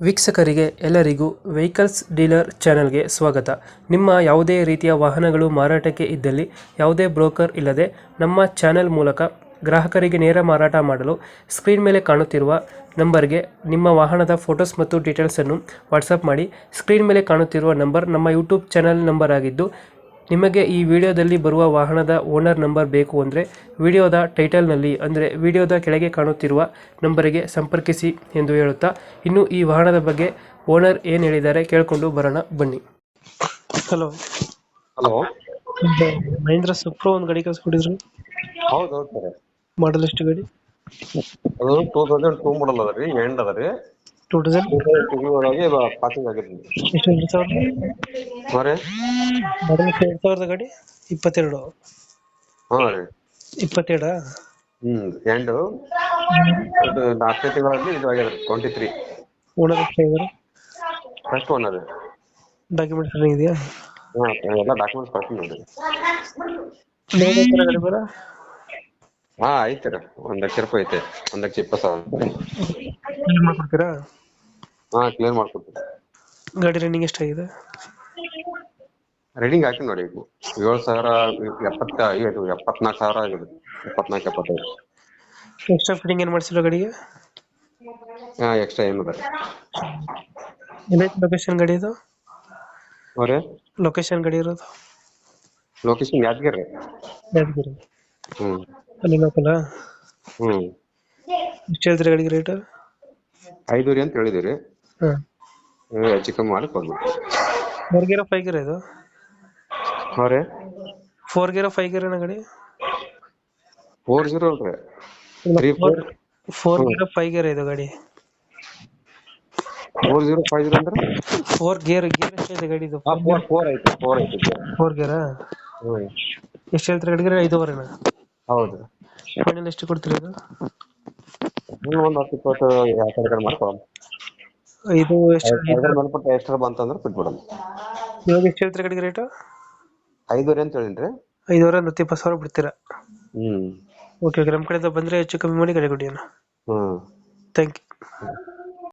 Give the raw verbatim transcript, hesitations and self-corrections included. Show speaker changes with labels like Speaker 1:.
Speaker 1: ವೀಕ್ಷಕರಿಗೆ ಎಲ್ಲರಿಗೂ vehicles dealer ಚಾನೆಲ್ಗೆ ಸ್ವಾಗತ. ನಿಮ್ಮ ಯಾವುದೇ ರೀತಿಯ ವಾಹನಗಳು ಮಾರಾಟಕ್ಕೆ ಇದ್ದಲ್ಲಿ ಯಾವುದೇ ಬ್ರೋಕರ್ ಇಲ್ಲದೆ ನಮ್ಮ ಚಾನೆಲ್ ಮೂಲಕ ಗ್ರಾಹಕರಿಗೆ ನೇರ ಮಾರಾಟ ಮಾಡಲು ಸ್ಕ್ರೀನ್ ಮೇಲೆ ಕಾಣುತ್ತಿರುವ ನಂಬರ್ಗೆ ನಿಮ್ಮ ವಾಹನದ ಫೋಟೋಸ್ ಮತ್ತು ಡೀಟೇಲ್ಸನ್ನು ವಾಟ್ಸಪ್ ಮಾಡಿ. ಸ್ಕ್ರೀನ್ ಮೇಲೆ ಕಾಣುತ್ತಿರುವ ನಂಬರ್ ನಮ್ಮ ಯೂಟ್ಯೂಬ್ ಚಾನೆಲ್ ನಂಬರ್ ಆಗಿದ್ದು, ನಿಮಗೆ ಈ ವಿಡಿಯೋದಲ್ಲಿ ಬರುವ ವಾಹನದ ಓನರ್ ನಂಬರ್ ಬೇಕು ಅಂದರೆ ವಿಡಿಯೋದ ಟೈಟಲ್ನಲ್ಲಿ ಅಂದರೆ ವಿಡಿಯೋದ ಕೆಳಗೆ ಕಾಣುತ್ತಿರುವ ನಂಬರಿಗೆ ಸಂಪರ್ಕಿಸಿ ಎಂದು ಹೇಳುತ್ತಾ, ಇನ್ನು ಈ ವಾಹನದ ಬಗ್ಗೆ ಓನರ್ ಏನು ಹೇಳಿದ್ದಾರೆ ಕೇಳಿಕೊಂಡು ಬರೋಣ ಬನ್ನಿ. Hello
Speaker 2: hello.
Speaker 1: ಮಹೇಂದ್ರ ಸುಪ್ರೋ ಒಂದು ಗಾಡಿ ಕಳಿಸ್ಕೊಟ್ಟಿದ್ರು,
Speaker 2: ಹೌದು ಹೌದು ಸರ್.
Speaker 1: ಮಾಡಲ್ ಎಷ್ಟು ಗಾಡಿ?
Speaker 2: ಅದು ಟೂ ತೌಸಂಡ್ ಟೂ ಮಾಡಲ್ ಅದ ರೀ, ಎಂಡ್ ಅದ ರೀ.
Speaker 1: ಟೂ ತೌಸಂಡ್
Speaker 2: ಟಿವಿ ಒಳಗೆ ಪಾಸಿಂಗ್ ಆಗಿದ್ರಿ.
Speaker 1: ಎಷ್ಟು ಎರಡು ಸಾವಿರದ
Speaker 2: ಹಾಂ
Speaker 1: ಮಾಡಲ್ ಎರಡು ಸಾವಿರದ ಗಾಡಿ ಇಪ್ಪತ್ತೆರಡು
Speaker 2: ಹಾಂ ರೀ.
Speaker 1: ಇಪ್ಪತ್ತೆರಡ
Speaker 2: ಹ್ಮ್ ಎಂಡು ಇದು ನಾಲ್ಕನೇ ತಿಂಗಳಲ್ಲಿ ಇದು ಆಗ್ಯದ ರೀ, ಟ್ವೆಂಟಿ ತ್ರೀ.
Speaker 1: ಓನರ್ ಎಷ್ಟಾಗಿದ್ದಾರೆ?
Speaker 2: ಫಸ್ಟ್ ಒನ್ ಅದ.
Speaker 1: ಡಾಕ್ಯುಮೆಂಟ್ಸ್ ರನ್ನಿಂಗ್ ಇದೆಯಾ?
Speaker 2: ಹಾಂ ಎಲ್ಲ ಡಾಕ್ಯುಮೆಂಟ್ಸ್ ಕಳ್ಸಿ ನೋಡಿ.
Speaker 1: ಗಾಡಿ ಬರ
Speaker 2: ಹಾಂ ಐತೆ ರೀ, ಒಂದ್ ಲಕ್ಷ ರೂಪಾಯಿ ಐತೆ, ಒಂದ್ ಲಕ್ಷ ಇಪ್ಪತ್ತು ಸಾವಿರ.
Speaker 1: ಮಾಡ್ಕೊಡ್ತೀರಾ?
Speaker 2: ಹಾಂ ಕ್ಲಿಯರ್ ಮಾಡ್ಕೊಡ್ತೀವಿ.
Speaker 1: ಗಾಡಿ ರನ್ನಿಂಗ್ ಎಷ್ಟಾಗಿದೆ?
Speaker 2: ರೀಡಿಂಗ್ ಹಾಕಿ ನೋಡಿ, ಏಳು ಸಾವಿರ ಎಪ್ಪತ್ತ ಐದು ಎಪ್ಪತ್ನಾಲ್ಕು ಸಾವಿರ ಆಗಿದೆ, ಎಪ್ಪತ್ನಾಲ್ಕು ಎಪ್ಪತ್ತೈದು.
Speaker 1: ಎಕ್ಸ್ಟ್ರಾ ಫಿಟ್ಟಿಂಗ್ ಏನು ಮಾಡಿಸಿಲ್ಲ ಗಾಡಿಗೆ?
Speaker 2: ಹಾಂ ಎಕ್ಸ್ಟ್ರಾ ಏನಿದೆ.
Speaker 1: ಎಲ್ಲೈತೆ ಲೊಕೇಶನ್ ಗಾಡಿ ಇದು?
Speaker 2: ಅವರೇ
Speaker 1: ಲೊಕೇಶನ್ ಗಾಡಿ ಇರೋದು
Speaker 2: ಲೊಕೇಶನ್ ಯಾದಗಿರಿ.
Speaker 1: ಯಾದಗಿರಿ.
Speaker 2: ಹ್ಮ್
Speaker 1: ಅಲ್ಲಿ ಲೋಕಲ್?
Speaker 2: ಹ್ಮ್
Speaker 1: ಎಷ್ಟು ಹೇಳ್ತೀರಿ ಗಾಡಿಗೆ ರೇಟ್?
Speaker 2: ಐದೂರಿ ಅಂತ ಹೇಳಿದಿರಿ,
Speaker 1: ಹಾಂ.
Speaker 2: ಹೆಚ್ಚು ಕಮ್ಮಿ ಮಾಡಿ ಕೊಡ್ಬೇಕು.
Speaker 1: ಫೋರ್ ಗೇರ ಫೈವ್ ಗೇರ್ ಇದು?
Speaker 2: ಅವರೇ
Speaker 1: ಫೋರ್ ಗೇರ ಫೈವ್ ಗೇರ್ ಗಾಡಿ?
Speaker 2: ಫೋರ್ ಜೀರೋ ಅಲ್ರಿ, ತ್ರೀ ಫೋರ್
Speaker 1: ಫೋರ್ ಗೇರ ಫೈವ್ ಗೇರ್ ಇದು ಗಾಡಿ?
Speaker 2: ಫೋರ್ ಜೀರೋ ಫೈವ್ ಜೀರೋ ಅಂದ್ರೆ
Speaker 1: ಫೋರ್ ಗೇರ್ ಗೇರ್ ಎಷ್ಟಿದೆ ಗಾಡಿದು?
Speaker 2: ಫೋರ್ ಫೋರ್ ಐತೆ ಫೋರ್ ಐತೆ
Speaker 1: ಫೋರ್ ಗೇರಾ?
Speaker 2: ಹ್ಮ್
Speaker 1: ಎಷ್ಟು ಹೇಳ್ತೀರಿ ಗಾಡಿಗೆ? ಐದೂವರೆನಾ?
Speaker 2: ಹೌದು.
Speaker 1: ಫೈನಲ್ ಎಷ್ಟು ಕೊಡ್ತೀರಿ ಇದು?
Speaker 2: ಒಂದ್ ಹತ್ತು ಇಪ್ಪತ್ತು ಯಾವ ಕಡೆ ಮಾಡಿ ಕೊಡೋಣ.
Speaker 1: ಇದು ಎಷ್ಟು
Speaker 2: ಮೇಲ್ಪಟ್ಟ ಎಷ್ಟರ ಬಂತಂದ್ರೆ ಬಿಟ್ಬಿಡೋಣ.
Speaker 1: ಇವಾಗ ಎಷ್ಟು ಹೇಳ್ತೀರಿ ಗಾಡಿಗೆ ರೇಟು?
Speaker 2: ಐದೂರಿ ಅಂತ ಹೇಳಿನ್ರಿ.
Speaker 1: ಐದೂವರೆ ಒಂದು ಹತ್ತು ಇಪ್ಪತ್ತು ಸಾವಿರ ಬಿಡ್ತೀರಾ?
Speaker 2: ಹ್ಮ್
Speaker 1: ಓಕೆ ಓಕೆ, ನಮ್ಮ ಕಡೆಯಿಂದ ಬಂದರೆ ಹೆಚ್ಚು ಕಮ್ಮಿ ಮಾಡಿ ಗಾಡಿ ಕೊಡಿ ಅಣ್ಣ.
Speaker 2: ಹ್ಮ್
Speaker 1: ಥ್ಯಾಂಕ್ ಯು.